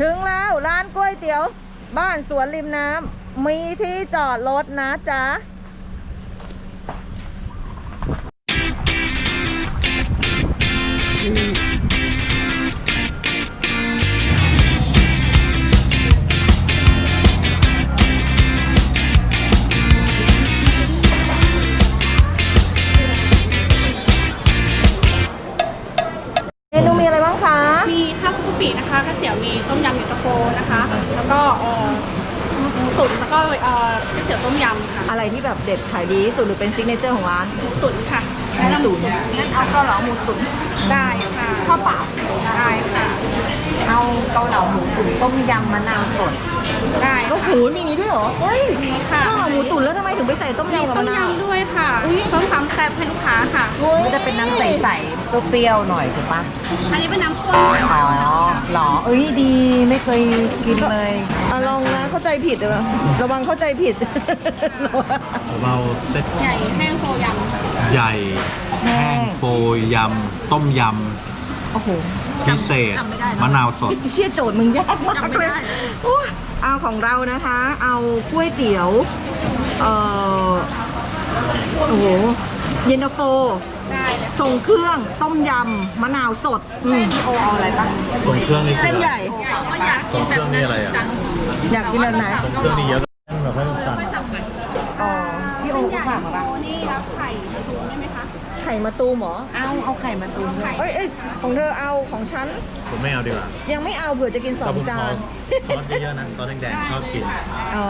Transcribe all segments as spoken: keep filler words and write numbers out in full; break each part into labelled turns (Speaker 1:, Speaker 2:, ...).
Speaker 1: ถึงแล้วร้านก๋วยเตี๋ยวบ้านสวนริมน้ำมีที่จอดรถนะจ๊ะเมนูมีอะไรบ้างคะ
Speaker 2: มีข้าวคลุกกะปินะคะก๋วยเตี๋ยวมีต้มยำเย็นตาโฟนะคะแล้วก็เอ่อหมูตุ๋นแล้วก็เอ่อก๋วยเตี๋ยวต้มยำค่ะ
Speaker 1: อะไรที่แบบเด็ดขายดีที่สุดหรือเป็นซิกเนเจอร์ของร้าน
Speaker 2: หมูตุ๋นค่ะ
Speaker 1: หมูตุ๋นงั้นเอาเกาเหลาหมูตุ๋น
Speaker 2: ได้ค่ะ
Speaker 1: ข้าวเปล่า
Speaker 2: ได้ค่ะ
Speaker 1: เอาเกาเหลาหมูตุ๋นต้มยำมะนาวสด
Speaker 2: ได้
Speaker 1: โอ้โหมีนี้ด้วยเหรอเฮ้ย
Speaker 2: มีค่ะ
Speaker 1: ข้าวหมูตุ๋นแล้วทำไมถึงไปใส่ต้มยำกับมะนาว
Speaker 2: ต้มยำด้วยค่ะเพิ่มความแซ่บให้ลูกค้าค่ะ
Speaker 1: มันจะเป็นน้ำใสๆเปรี้ยวๆหน่อยถูกปะ
Speaker 2: อันนี้เป็นน้ำข้น
Speaker 1: อ๋อหรอเอ้ยดีไม่เคยกินเลยอ่ะลองนะเข้าใจผิดเลยระวังเข้าใจผิด
Speaker 3: เราเซ็ต
Speaker 2: ใหญ่แห้งโฟยำ
Speaker 3: ใหญ่แห้งโฟยำต้มยำ
Speaker 1: โอ้โห
Speaker 3: พิเศษมะนาวสด
Speaker 1: เชี่ยโจทย์มึงยากมากเลยเอาของเรานะคะเอาก๋วยเตี๋ยวเอ่อโอ้โหเย็นตาโฟส่งเครื่องต้มยำมะนาวสดเส้นโอเอาอะไรปะ
Speaker 3: ส่งเครื่องนี่
Speaker 1: เส้นใหญ่
Speaker 3: ส่งเครื่องนี่อะไรอ่ะ
Speaker 1: อยากกินแบบไหน
Speaker 3: ส่งเครื่องนี่เยอะแบบไม่ตัด
Speaker 1: อ๋อพี่โอเขาฝากมาปะ
Speaker 2: นี่รับไข่มะตูมได้ไหมคะ
Speaker 1: ไข่มะตูมเหรอ
Speaker 2: เอาเอาไข่มะตูม
Speaker 1: เอ้ยเอ้ยของเธอเอาของฉัน
Speaker 3: ผมไม่เอาดีกว่า
Speaker 1: ยังไม่เอาเผื่อจะกินสองจาน
Speaker 3: ซอสเยอะๆนะซอสแดงๆชอบกิน
Speaker 1: อ๋อ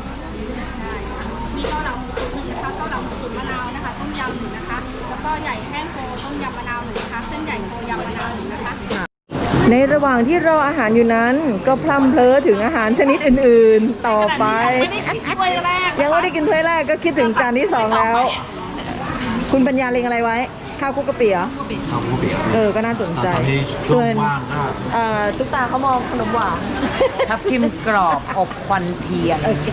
Speaker 2: มีเกาเหลาหมูตุ๋นหนึ่งนะคะเกาเหลาหมูตุ๋นมะนาวนะคะต้มยำหนึ่งนะคะแล้วก็ใหญ่แห้งโฟต้มยำมะนาวหนึ่งนะคะเส้นใหญ่โฟยำมะนาวหนึ่งนะคะ
Speaker 1: ในระหว่างที่รออาหารอยู่นั้นก็พลัมเพลอถึงอาหารชนิดอื่นๆต่อไปยังไม่ได้กินถ้วยแรกก็คิดถึงจานที่สองแล้วคุณปัญญาเล็งอะไรไว้ข้าวคุกกะปิเหรอ
Speaker 3: ข้าวคุกกะปิ
Speaker 1: เออก็น่าสนใจ
Speaker 3: ส่วนว่างก็
Speaker 1: เอ่อตุ๊กตาเขามองขนมหวานทับทิมกรอบอบควันเทียนโอเค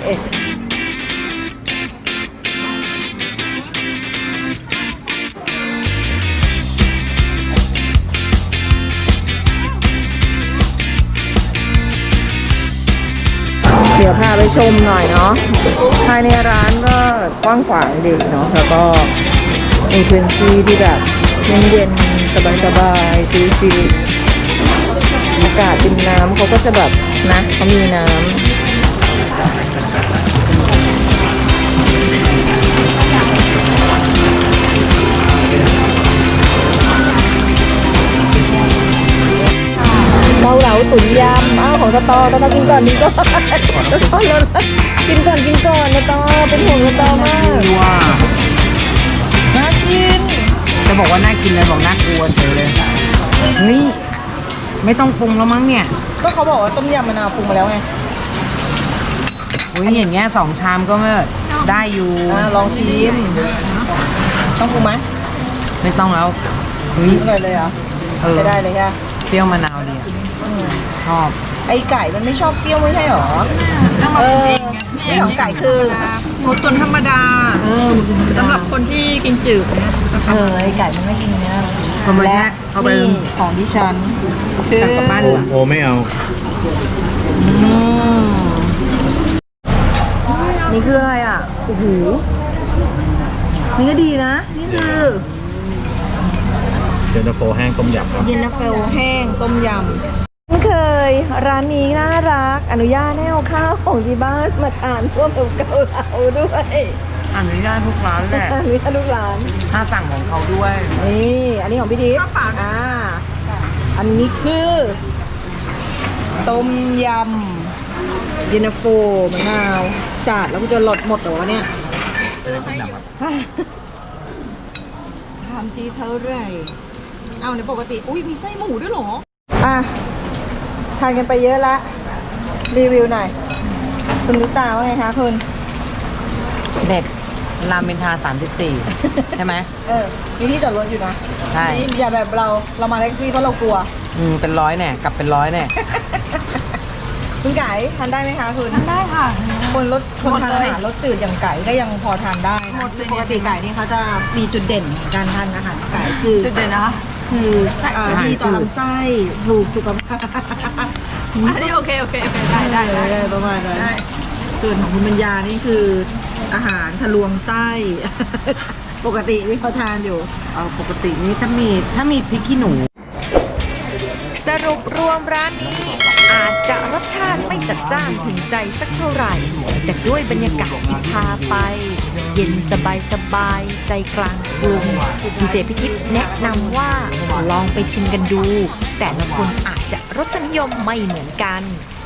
Speaker 1: เดี๋ยวพาไปชมหน่อยเนาะภายในร้านก็กว้างขวางดีเนาะแล้วก็มีพื้นที่ที่แบบเย็นๆสบายๆชิลๆอากาศริมน้ำเขาก็จะแบบนะเขามีน้ำเกาเหลาตุ๋นยำอ้าวของสตอสตอกินก่อนกินก่อนสตอเลยกินก่อนกินก่อนสตอเป็นห่วงสตอมาก
Speaker 4: ว้า
Speaker 1: น่ากิน
Speaker 4: จะบอกว่าน่ากินเลยบอกน่ากลัวเฉยเลยเฮ้ยไม่ต้องปรุงแล้วมั้งเนี่ย
Speaker 1: ก็เขาบอกว่าต้มยำมะนาวปรุงมาแล้วไง
Speaker 4: อุ้ยอย่างเงี้ยสองชามก็ไม่ได้อยู่
Speaker 1: ลองชิมต้องปรุงไหม
Speaker 4: ไม่ต้องแล้ว
Speaker 1: เฮ้ยเลยเลยเหรอไม่ได้เลยค่ะ
Speaker 4: เปรี้ยวมะนาวดีชอบ
Speaker 1: ไอไก่มันไม่ชอบเปรี้ยวไม่ใช่หรอ
Speaker 2: ต้องมาปรุงเองไง
Speaker 1: นี่ของไก่คือ
Speaker 2: หมูตุ๋นธรรมดา
Speaker 1: เออ
Speaker 2: สำหรับคนที่กินจืด
Speaker 1: เออไอไก่มันไม่กินเนื้อ
Speaker 4: และ
Speaker 1: เอาไปของดิฉันคือกลับบ้าน
Speaker 3: โอ้ไม่เอา
Speaker 1: นี่คืออะไรอ่ะโอ้โหนี่ก็ดีนะนี่คือ
Speaker 3: เย็นตาโฟแห้งต้มยำครับ
Speaker 1: เย็นตาโฟแห้งต้มยำเคยร้านนี้น่ารักอนุญาตให้เอาข้าวของที่บ้านมาทานร่วมกับเกาเหลาด้วย
Speaker 4: อนุญาตทุกร้านแหละ
Speaker 1: อนุญาตทุกร้าน
Speaker 4: ถ้าสั่งของเขาด้วย
Speaker 1: นี่อันนี้ของพี่ดิ๊กอ่าอันนี้คือต้มยำเย็นตาโฟมะนาวสาดแล้วก็จะหลดหมดเหรอวะเนี่ยทำทีเท่าไรเอาในปกติอุ้ยมีไส้หมูด้วยเหรออ่ะทานกันไปเยอะละรีวิวหน่อยคุณนุตาว่าไงคะคุณ
Speaker 4: เด็ดรามอินทราสามสิบสี่ใช่ไหม
Speaker 1: เออมีที่จอดรถอยู่นะ
Speaker 4: ใช่
Speaker 1: อย่าแบบเราเรามาแท็กซี่เพราะเรากลัว
Speaker 4: อืมเป็นร้อยแน่กลับเป็นร้อยแน่
Speaker 1: คุณไก่ทานได้ไหมคะคุณ
Speaker 2: ทานได้ค่ะ
Speaker 1: คนรสคนทานอาหารรสจืดอย่างไก่ก็ยังพอทานได้นะปกติไก่นี่เขาจะมีจุดเด่นการทานอาหารไก่คือ
Speaker 2: จุดเด่นนะคะ
Speaker 1: คือดีต่อลำไส้ถูกสุขภาพ
Speaker 2: อันนี้โอเคโอเคโอเคได้ได้ได้
Speaker 1: ได้ประมาณนั้นส่วนของคุณปัญญานี่คืออาหารทะลวงไส้ ปกติที่เขาทานอยู่
Speaker 4: เอาปกตินี้ถ้ามีถ้ามีพริกขี้หนู
Speaker 5: สรุปรวมร้านนี้อาจจะรสชาติไม่จัดจ้านถึงใจสักเท่าไหร่ แต่ด้วยบรรยากาศที่พาไป เย็นสบายสบายๆใจกลางกรุงดีเจพิทิพย์แนะนำว่าลองไปชิมกันดู แต่ละคนอาจจะรสนิยมไม่เหมือนกัน